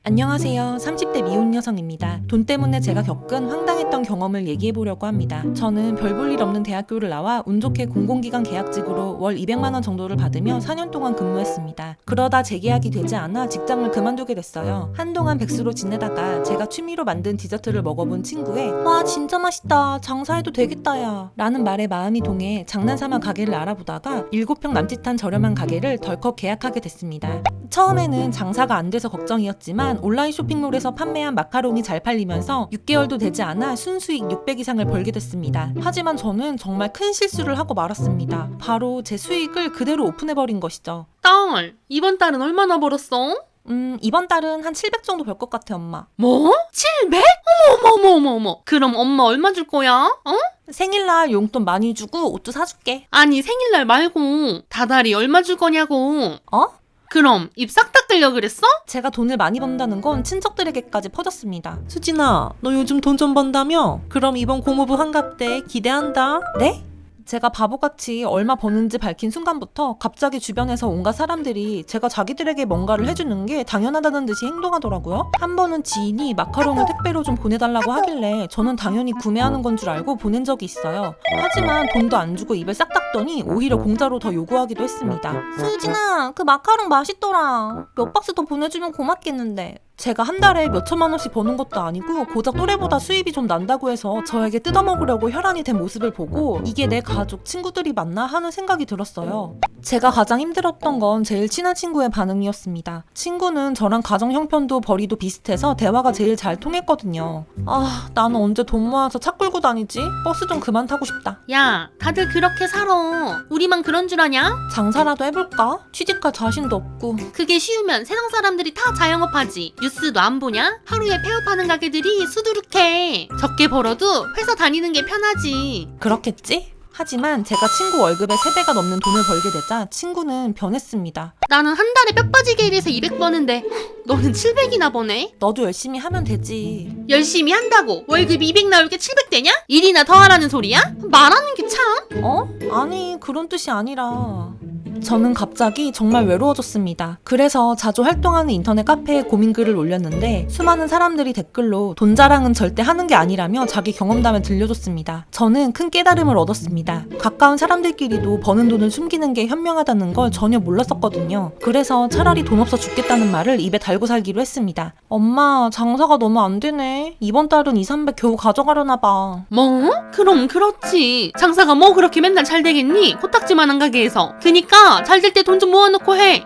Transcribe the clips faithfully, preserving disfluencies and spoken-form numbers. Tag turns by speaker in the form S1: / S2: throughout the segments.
S1: 안녕하세요. 삼십 대 미혼 여성입니다. 돈 때문에 제가 겪은 황당했던 경험을 얘기해보려고 합니다. 저는 별 볼 일 없는 대학교를 나와 운 좋게 공공기관 계약직으로 월 이백만 원 정도를 받으며 사 년 동안 근무했습니다. 그러다 재계약이 되지 않아 직장을 그만두게 됐어요. 한동안 백수로 지내다가 제가 취미로 만든 디저트를 먹어본 친구의 와 진짜 맛있다. 장사해도 되겠다 야 라는 말에 마음이 동해 장난삼아 가게를 알아보다가 일곱 평 남짓한 저렴한 가게를 덜컥 계약하게 됐습니다. 처음에는 장사가 안 돼서 걱정이었지만 온라인 쇼핑몰에서 판매한 마카롱이 잘 팔리면서 육 개월도 되지 않아 순수익 육백 이상을 벌게 됐습니다. 하지만 저는 정말 큰 실수를 하고 말았습니다. 바로 제 수익을 그대로 오픈해버린 것이죠.
S2: 딸, 이번 달은 얼마나 벌었어?
S1: 음 이번 달은 한 칠백 정도 벌 것 같아 엄마.
S2: 뭐? 칠백? 어머 어머 어머 어머. 그럼 엄마 얼마 줄 거야? 어?
S1: 생일날 용돈 많이 주고 옷도 사줄게.
S2: 아니 생일날 말고 다달이 얼마 줄 거냐고.
S1: 어?
S2: 그럼 입 싹 닦으려 그랬어?
S1: 제가 돈을 많이 번다는 건 친척들에게까지 퍼졌습니다.
S3: 수진아, 너 요즘 돈 좀 번다며? 그럼 이번 고모부 환갑 때 기대한다.
S1: 네? 제가 바보같이 얼마 버는지 밝힌 순간부터 갑자기 주변에서 온갖 사람들이 제가 자기들에게 뭔가를 해주는 게 당연하다는 듯이 행동하더라고요. 한 번은 지인이 마카롱을 택배로 좀 보내달라고 하길래 저는 당연히 구매하는 건 줄 알고 보낸 적이 있어요. 하지만 돈도 안 주고 입을 싹 닦더니 오히려 공짜로 더 요구하기도 했습니다. 수진아, 그 마카롱 맛있더라. 몇 박스 더 보내주면 고맙겠는데. 제가 한 달에 몇 천만 원씩 버는 것도 아니고 고작 또래보다 수입이 좀 난다고 해서 저에게 뜯어먹으려고 혈안이 된 모습을 보고 이게 내 가족, 친구들이 맞나 하는 생각이 들었어요. 제가 가장 힘들었던 건 제일 친한 친구의 반응이었습니다. 친구는 저랑 가정 형편도 벌이도 비슷해서 대화가 제일 잘 통했거든요. 아, 나는 언제 돈 모아서 차 끌고 다니지? 버스 좀 그만 타고 싶다.
S2: 야, 다들 그렇게 살아. 우리만 그런 줄 아냐?
S1: 장사라도 해볼까? 취직할 자신도 없고.
S2: 그게 쉬우면 세상 사람들이 다 자영업하지. 뉴스도 안 보냐? 하루에 폐업하는 가게들이 수두룩해. 적게 벌어도 회사 다니는 게 편하지.
S1: 그렇겠지? 하지만 제가 친구 월급의 세 배가 넘는 돈을 벌게 되자 친구는 변했습니다.
S2: 나는 한 달에 뼈 빠지게 일해서 이백 버는데 너는 칠백이나 버네?
S1: 너도 열심히 하면 되지.
S2: 열심히 한다고 월급이 이백 나올 게 칠백 되냐? 일이나 더 하라는 소리야? 말하는 게 참.
S1: 어? 아니, 그런 뜻이 아니라... 저는 갑자기 정말 외로워졌습니다. 그래서 자주 활동하는 인터넷 카페에 고민글을 올렸는데 수많은 사람들이 댓글로 돈 자랑은 절대 하는 게 아니라며 자기 경험담을 들려줬습니다. 저는 큰 깨달음을 얻었습니다. 가까운 사람들끼리도 버는 돈을 숨기는 게 현명하다는 걸 전혀 몰랐었거든요. 그래서 차라리 돈 없어 죽겠다는 말을 입에 달고 살기로 했습니다. 엄마, 장사가 너무 안 되네. 이번 달은 이삼백 겨우 가져가려나 봐.
S2: 뭐? 그럼 그렇지. 장사가 뭐 그렇게 맨날 잘 되겠니? 코딱지만한 가게에서. 그니까 잘 될 때 돈 좀 모아놓고 해.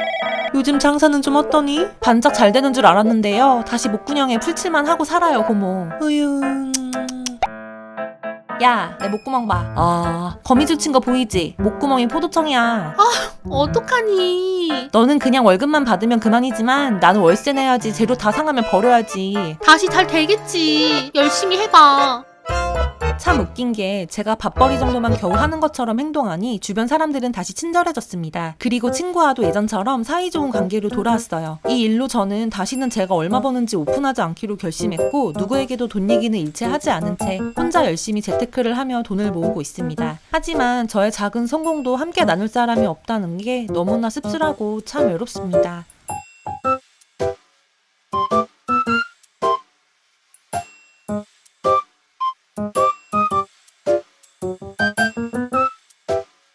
S3: 요즘 장사는 좀 어떠니?
S1: 반짝 잘 되는 줄 알았는데요. 다시 목구멍에 풀칠만 하고 살아요, 고모.
S3: 으유...
S1: 야, 내 목구멍 봐. 아, 거미줄 친 거 보이지? 목구멍이 포도청이야.
S2: 어떡하니?
S1: 너는 그냥 월급만 받으면 그만이지만 나는 월세 내야지. 재료 다 상하면 버려야지.
S2: 다시 잘 되겠지. 열심히 해봐.
S1: 참 웃긴 게 제가 밥벌이 정도만 겨우 하는 것처럼 행동하니 주변 사람들은 다시 친절해졌습니다. 그리고 친구와도 예전처럼 사이좋은 관계로 돌아왔어요. 이 일로 저는 다시는 제가 얼마 버는지 오픈하지 않기로 결심했고 누구에게도 돈 얘기는 일체 하지 않은 채 혼자 열심히 재테크를 하며 돈을 모으고 있습니다. 하지만 저의 작은 성공도 함께 나눌 사람이 없다는 게 너무나 씁쓸하고 참 외롭습니다.